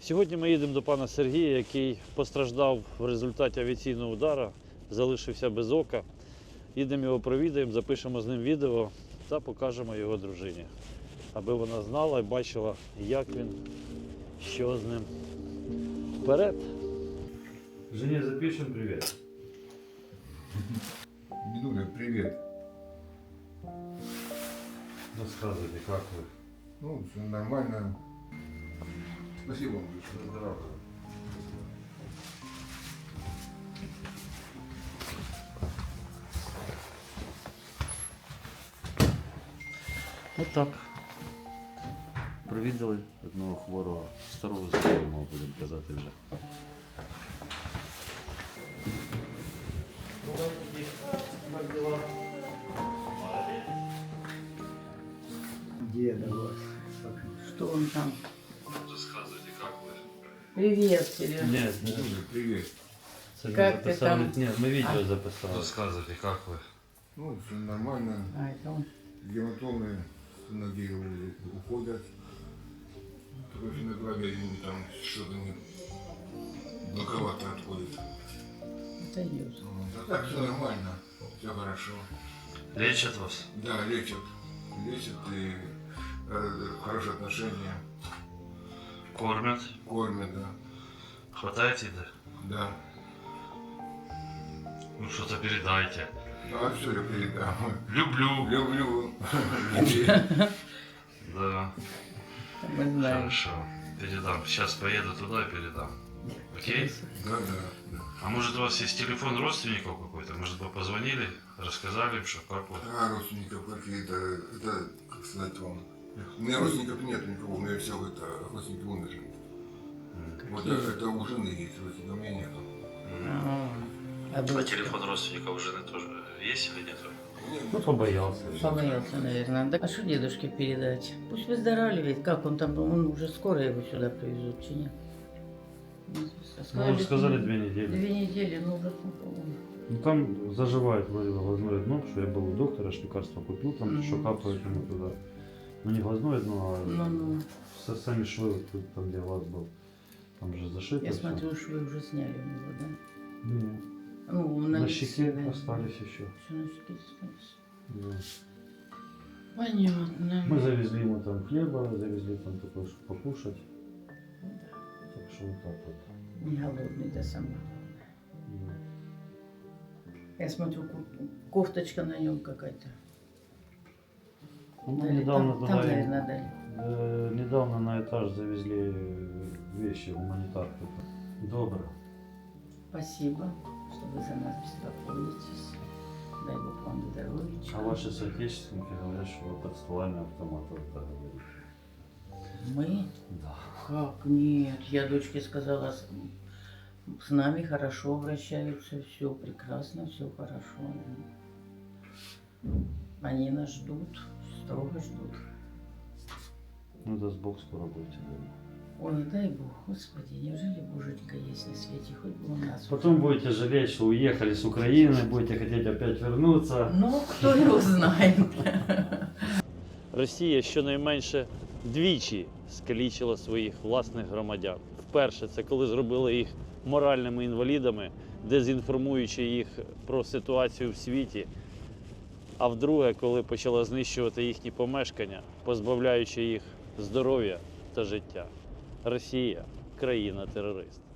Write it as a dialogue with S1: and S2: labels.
S1: Сьогодні ми їдемо до пана Сергія, який постраждав в результаті авіаційного удару, залишився без ока. Їдемо його провідаємо, запишемо з ним відео та покажемо його дружині, аби вона знала і бачила, як він, що з ним. Вперед! Жене запишем привет.
S2: Дедуля, привет.
S1: Рассказывайте, как вы?
S2: Ну, все нормально. Спасибо вам большое.
S1: Здорово. Вот так. Провідали одного хворого, старого знайомого, будемо казати вже.
S3: Деда вас. Что он там?
S1: Рассказывайте, как вы?
S3: Привет, Серега.
S1: Нет,
S2: Дедуля, привет.
S3: Как ты там?
S1: Нет, мы видео записали.
S4: Рассказывайте, как вы?
S2: Ну, все нормально.
S3: А, это он.
S2: Гематомы с ноги уходят. Только на голове там что-то не боковато отходит.
S3: Это идет.
S2: А так все нормально. Все хорошо.
S4: Лечат вас?
S2: Да, лечат. Лечат и хорошие отношения.
S4: Кормят?
S2: Кормят, да.
S4: Хватает еды?
S2: Да.
S4: Ну что-то передайте.
S2: А все я передам.
S4: Люблю.
S2: Люблю.
S4: Да,
S3: Мы знаем.
S4: хорошо. Передам. Сейчас поеду туда и передам. Окей?
S2: Да, да.
S4: А может у вас есть телефон родственников какой-то? Может вы позвонили, рассказали им, что как вот?
S2: А родственников какие-то, это, как сказать вам, у меня родственников нет никого, у меня все это родственники умерли. Вот это у жены есть, родственников у меня нету.
S3: А
S4: А
S3: дочка?
S4: телефон родственников у жены тоже есть или нет?
S1: Ну, побоялся.
S3: Побоялся, наверное. Да, а что дедушке передать? Пусть выздоравливает. Как он там? Он уже скоро его сюда привезут, чи нет?
S1: Ну, сказали 2 недели.
S3: 2 недели, ну уже по-моему.
S1: Ну, там заживает вроде глазное дно, что я был у доктора, аж лекарства купил, там еще капают ему туда. Ну, не глазное дно, а
S3: Ну.
S1: сами швы, вот тут, там где глаз был. Там же зашито.
S3: Я
S1: всё.
S3: смотрю, что вы уже сняли у него, да?
S1: Не,
S3: Ну,
S1: на
S3: лице,
S1: щеке
S3: да.
S1: остались еще.
S3: Все на щеке осталось.
S1: Да.
S3: Понятно.
S1: Мы завезли ему там хлеба, завезли там такое, чтобы покушать. Так что вот так вот.
S3: Не голодный, да, самое главное.
S1: Да.
S3: Я смотрю, кофточка на нем какая-то.
S1: Ну, мы
S3: Дали.
S1: недавно
S3: Там,
S1: туда,
S3: наверное, дали.
S1: недавно на этаж завезли вещи, гуманитарку. Добро.
S3: Спасибо, что вы за нас беспокоитесь. Дай Бог вам здоровья.
S1: А ваши соотечественники говорят, что вы под стволами автоматов это говорите.
S3: Мы?
S1: Да.
S3: Как? Нет. Я дочке сказала, с нами хорошо обращаются, все прекрасно, все хорошо. Они нас ждут, строго ждут.
S1: Ну, даст Бог, скоро будете дома.
S3: Ой, дай Бог, Господи, неужели Боженька есть на свете, хоть бы у нас.
S1: Потом будете жалеть, что уехали с Украины, будете хотеть опять вернуться.
S3: Ну, кто его знает.
S1: Росія щонайменше двічі скалічила своїх власних громадян. Вперше це коли зробили їх моральними інвалідами, дезінформуючи їх про ситуацію в світі. А вдруге, коли почала знищувати їхні помешкання, позбавляючи їх здоров'я та життя. Росія – країна-терорист.